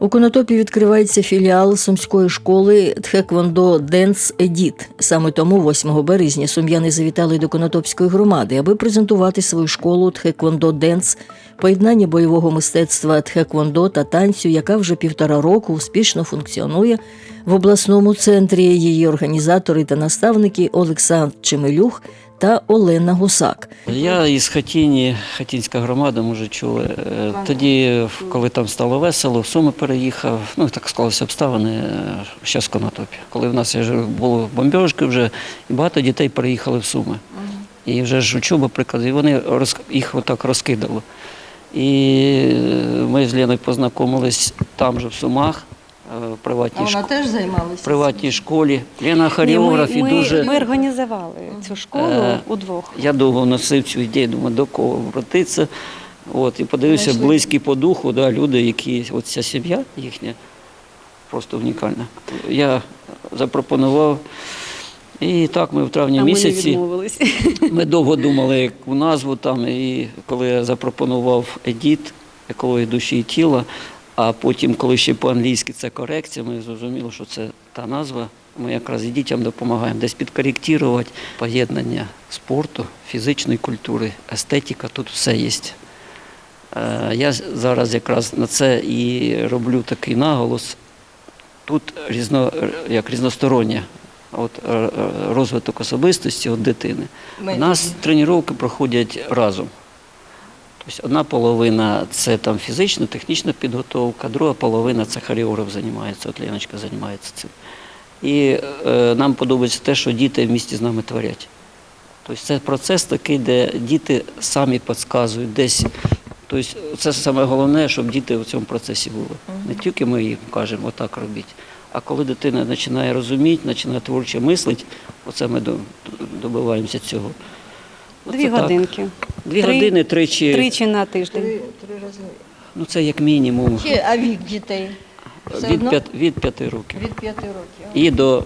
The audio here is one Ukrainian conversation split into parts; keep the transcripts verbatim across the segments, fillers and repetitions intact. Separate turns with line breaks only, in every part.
У Конотопі відкривається філіал сумської школи Тхеквондо Денс Едіт. Саме тому восьмого березня сум'яни завітали до Конотопської громади, аби презентувати свою школу Тхеквондо Денс, поєднання бойового мистецтва Тхеквондо та танцю, яка вже півтора року успішно функціонує в обласному центрі. Її організатори та наставники Олександр Чемелюх та Олена Гусак.
Я із Хатіні, Хатінська громада, може чули. Тоді, коли там стало весело, в Суми переїхав, ну так склалися обставини, зараз в Конотопі. Коли в нас було бомбіжки вже, і багато дітей переїхали в Суми. І вже ж учоба приклад, і вони їх отак розкидало. І ми з Леною познайомились там же в Сумах. В приватній,
вона
шк...
теж займалася?
В приватній школі. Лена хореограф і
ми,
дуже...
Ми організували цю школу е... удвох.
Я довго носив цю ідею, думаю, до кого обратитися. От, і подивився, близькі по духу, да, люди, які, от ця сім'я їхня, просто унікальна. Я запропонував, і так ми в травні
а
місяці,
ми, не відмовились.
Ми довго думали, яку назву там, і коли я запропонував «Едіт», екологія душі і тіла, а потім, коли ще по-англійськи це корекція, ми зрозуміли, що це та назва. Ми якраз і дітям допомагаємо десь підкоректувати поєднання спорту, фізичної культури, естетика, тут все є. Я зараз якраз на це і роблю такий наголос. Тут різно, як різностороння от, розвиток особистості від дитини. У нас тренування проходять разом. Тобто одна половина – це там фізична, технічна підготовка, друга половина – це хореограф займається, от Леночка займається цим. І е, нам подобається те, що діти в місті з нами творять. Тобто це процес такий, де діти самі підказують десь. Тобто це саме головне, щоб діти в цьому процесі були. Не тільки ми їм кажемо, отак робіть, а коли дитина починає розуміти, починає творче мислити, оце ми добиваємося цього.
Дві Оце годинки.
Дві Три, години, тричі.
Тричі на тиждень.
Три, три рази.
Ну це як мінімум.
Чи, а вік дітей?
Від, п'ят, від п'яти років.
Від п'яти років.
І до...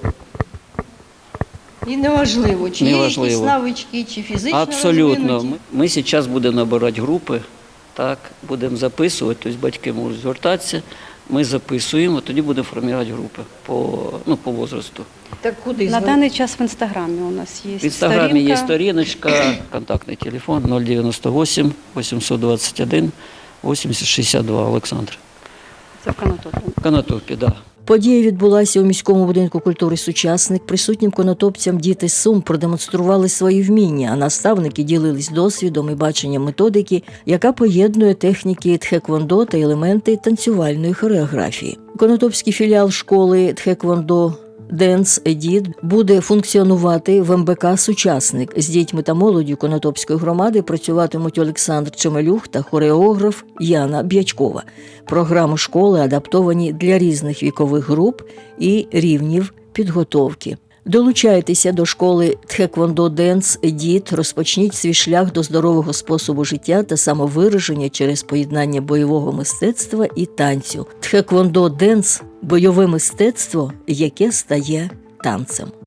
І неважливо, чи
неважливо.
Є якісь навички, чи фізично
абсолютно.
розвинуті?
Ми, ми зараз будемо набирати групи, так, будемо записувати, тобто батьки можуть звертатися, ми записуємо, тоді будемо формувати групи по, ну, по возрасту.
Так куди?
На даний час в Інстаграмі у нас є
В Інстаграмі
сторінка.
є сторіночка, контактний телефон нуль дев'яносто вісім вісімсот двадцять один вісімдесят шістдесят два, Олександр.
Це в Конотопі.
В Конотопі, так. Да.
Подія відбулася у міському будинку культури «Сучасник». Присутнім конотопцям діти з Сум продемонстрували свої вміння, а наставники ділились досвідом і баченням методики, яка поєднує техніки тхеквондо та елементи танцювальної хореографії. Конотопський філіал школи Тхеквондо Денс Едіт буде функціонувати в ем бе ка «Сучасник». З дітьми та молоддю Конотопської громади працюватимуть Олександр Чемелюх та хореограф Яна Б'ячкова. Програми школи адаптовані для різних вікових груп і рівнів підготовки. Долучайтеся до школи Тхеквондо Денс Едіт, розпочніть свій шлях до здорового способу життя та самовираження через поєднання бойового мистецтва і танцю. Тхеквондо Денс – бойове мистецтво, яке стає танцем.